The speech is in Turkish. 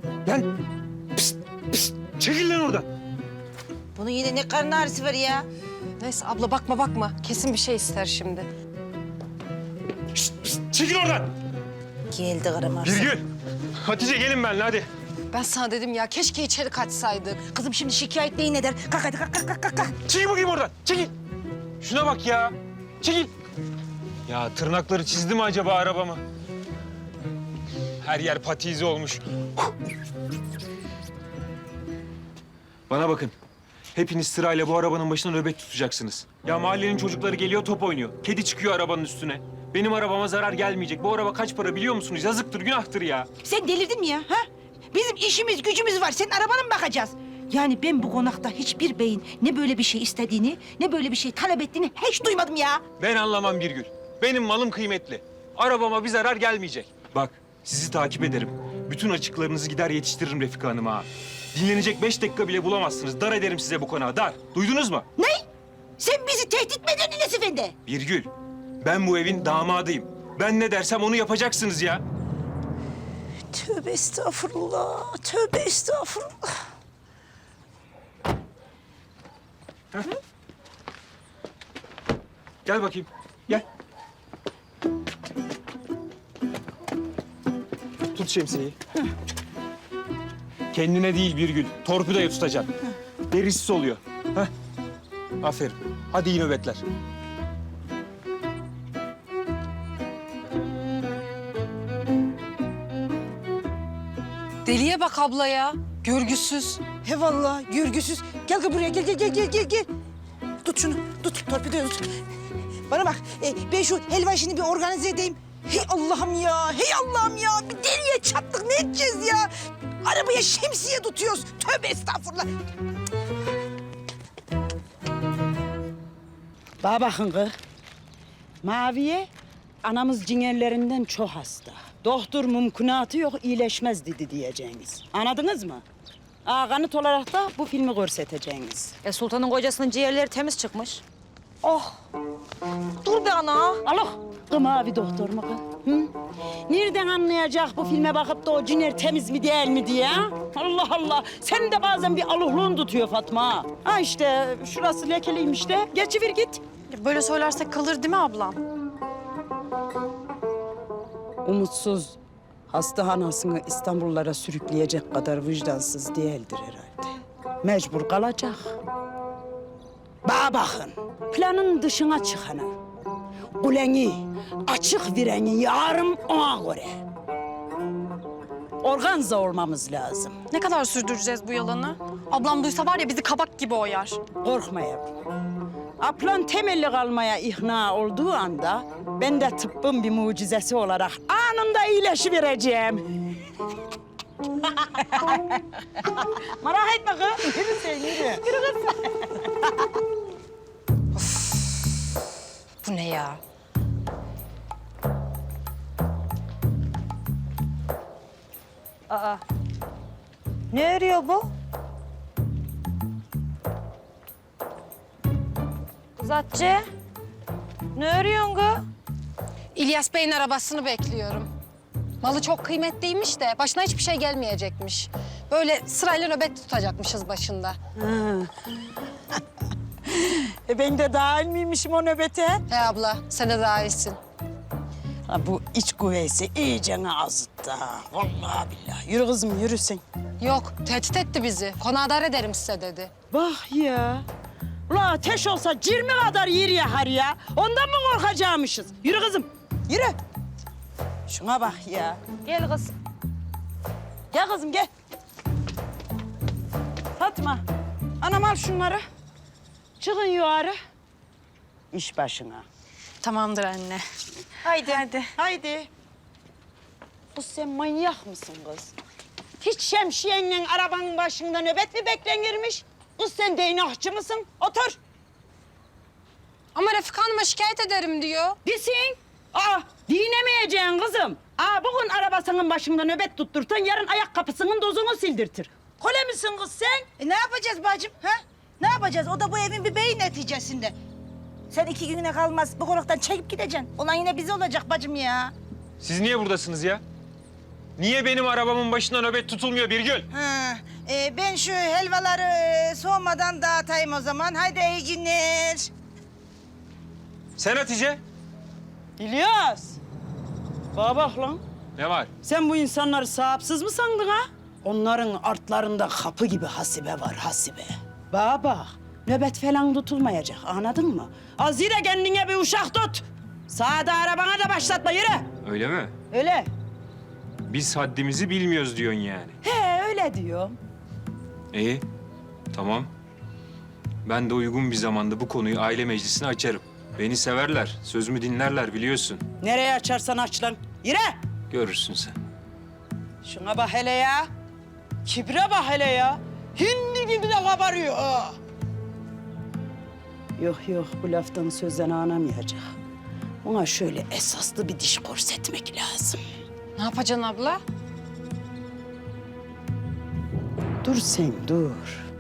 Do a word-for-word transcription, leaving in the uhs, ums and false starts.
Gel. Pişt, pişt. Çekil lan oradan. Bunun yine ne karın ağrısı var ya? Neyse abla bakma bakma. Kesin bir şey ister şimdi. Pişt, pişt. Çekil oradan. Geldi karım ağrısı. Birgül. Hatice gelin benimle hadi. Ben sana dedim ya keşke içeri kaçsaydık. Kızım şimdi şikayet neyin eder? Kalk hadi kalk kalk kalk kalk. Çekil bakayım oradan. Çekil. Şuna bak ya. Çekil. Ya tırnakları çizdi mi acaba arabamı? Her yer pati izi olmuş. Bana bakın. Hepiniz sırayla bu arabanın başına nöbet tutacaksınız. Ya mahallenin çocukları geliyor top oynuyor. Kedi çıkıyor arabanın üstüne. Benim arabama zarar gelmeyecek. Bu araba kaç para biliyor musunuz? Yazıktır, günahtır ya. Sen delirdin mi ya? Ha? Bizim işimiz gücümüz var. Senin arabana mı bakacağız? Yani ben bu konakta hiçbir beyin ne böyle bir şey istediğini, ne böyle bir şey talep ettiğini hiç duymadım ya. Ben anlamam Birgül. Benim malım kıymetli. Arabama bir zarar gelmeyecek. Bak, sizi takip ederim. Bütün açıklarınızı gider yetiştiririm Refika Hanım'a. Dinlenecek beş dakika bile bulamazsınız. Dar ederim size bu konağı, dar. Duydunuz mu? Ne? Sen bizi tehdit mi ediyorsun Enes Efendi? Birgül, ben bu evin damadıyım. Ben ne dersem onu yapacaksınız ya. Tövbe estağfurullah, tövbe estağfurullah. Gel bakayım, gel. Tut şemsiyeyi. Kendine değil Birgül, torpidoya tutacaksın. Derisiz oluyor. Heh. Aferin. Hadi iyi nöbetler. Deliye bak abla ya. Görgüsüz. He vallahi görgüsüz. Gel gel buraya gel gel gel gel gel gel. Tut şunu tut torpidoyu tut. Bana bak e, ben şu helva işini bir organize edeyim. Hey Allah'ım ya hey Allah'ım ya bir deliye çattık ne edeceğiz ya? Arabaya şemsiye tutuyoruz. Tövbe estağfurullah. Bana bakın kız. Maviye anamız ciğerlerinden çok hasta. Doktor mümkünatı yok iyileşmez dedi diyeceğiniz. Anladınız mı? Aa, kanıt olarak da bu filmi görseteceğiniz. E Sultan'ın kocasının ciğerleri temiz çıkmış. Oh. Dur be ana. Allah! Kız mavi doktor mu kız? Hı? Nereden anlayacak bu filme bakıp da o ciğer temiz mi değil mi diye? Ha? Allah Allah! Sen de bazen bir aluhluğun tutuyor Fatma. Ha işte şurası lekeliymiş de. Geçivir git. Böyle söylersek kalır değil mi ablam? Umutsuz, hasta anasını İstanbullara sürükleyecek kadar vicdansız değildir herhalde. Mecbur kalacak. Bana bakın, planın dışına çıkanı, kuleni, açık vireni yarım ona göre. Organza olmamız lazım. Ne kadar sürdüreceğiz bu yalanı? Ablam duysa var ya bizi kabak gibi oyar. Korkma yavrum. Aplan temelli kalmaya ikna olduğu anda ben de tıbbın bir mucizesi olarak anında iyileşivereceğim. Merak etme kız. Yürü sen yürü. Yürü kız. Bu ne ya? Ne örüyor bu? Kız Hatice, ne örüyorsun kız? İlyas Bey'in arabasını bekliyorum. Malı çok kıymetliymiş de başına hiçbir şey gelmeyecekmiş. Böyle sırayla nöbet tutacakmışız başında. E ben de dahil miymişim o nöbete? He abla, sen de daha iyisin. Ha, bu iç kuvvesi iyice azıttı ha. Vallahi billahi. Yürü kızım yürü sen. Yok, tehdit etti bizi. Konağı dar ederim size dedi. Bak ya. Ula ateş olsa cirmi kadar yer yakar ya. Ondan mı korkacakmışız? Yürü kızım. Yürü. Şuna bak ya. Gel kız. Gel kızım gel. Fatma. Anam al şunları. Çıkın yukarı. İş başına. Tamamdır anne. Haydi. Hadi. Haydi. Kız sen manyak mısın kız? Hiç şemsiyenle arabanın başında nöbet mi beklenirmiş? Kız sen değnakçı mısın? Otur. Ama Refika Hanım'a şikayet ederim diyor. Desin. Aa, dinemeyeceksin kızım. Aa, bugün arabasının başında nöbet tutturtan yarın ayak kapısının dozunu sildirtir. Kole misin kız sen? E ne yapacağız bacım ha? Ne yapacağız? O da bu evin bir beyi neticesinde. Sen iki gününe kalmaz bu konaktan çekip gideceksin. Olan yine bize olacak bacım ya. Siz niye buradasınız ya? Niye benim arabamın başında nöbet tutulmuyor Birgül? Ha, e, ben şu helvaları e, soğumadan dağıtayım o zaman. Haydi iyi günler. Sen Hatice? İlyas. Bana bak lan. Ne var? Sen bu insanları sahipsiz mi sandın ha? Onların artlarında kapı gibi hasibe var, hasibe. Bana bak, nöbet falan tutulmayacak, anladın mı? Az yine kendine bir uşak tut. Sağda arabana da başlatma, yürü. Öyle mi? Öyle. Biz haddimizi bilmiyoruz diyorsun yani. He, öyle diyorum. İyi, tamam. Ben de uygun bir zamanda bu konuyu aile meclisine açarım. Beni severler, sözümü dinlerler biliyorsun. Nereye açarsan aç lan, yürü. Görürsün sen. Şuna bak hele ya. Kibre bak hele ya. Hindi gibi de kabarıyor ha. Yok yok, bu laftan sözden anlamayacak. Ona şöyle esaslı bir diş korsetmek lazım. Ne yapacaksın abla? Dur sen dur.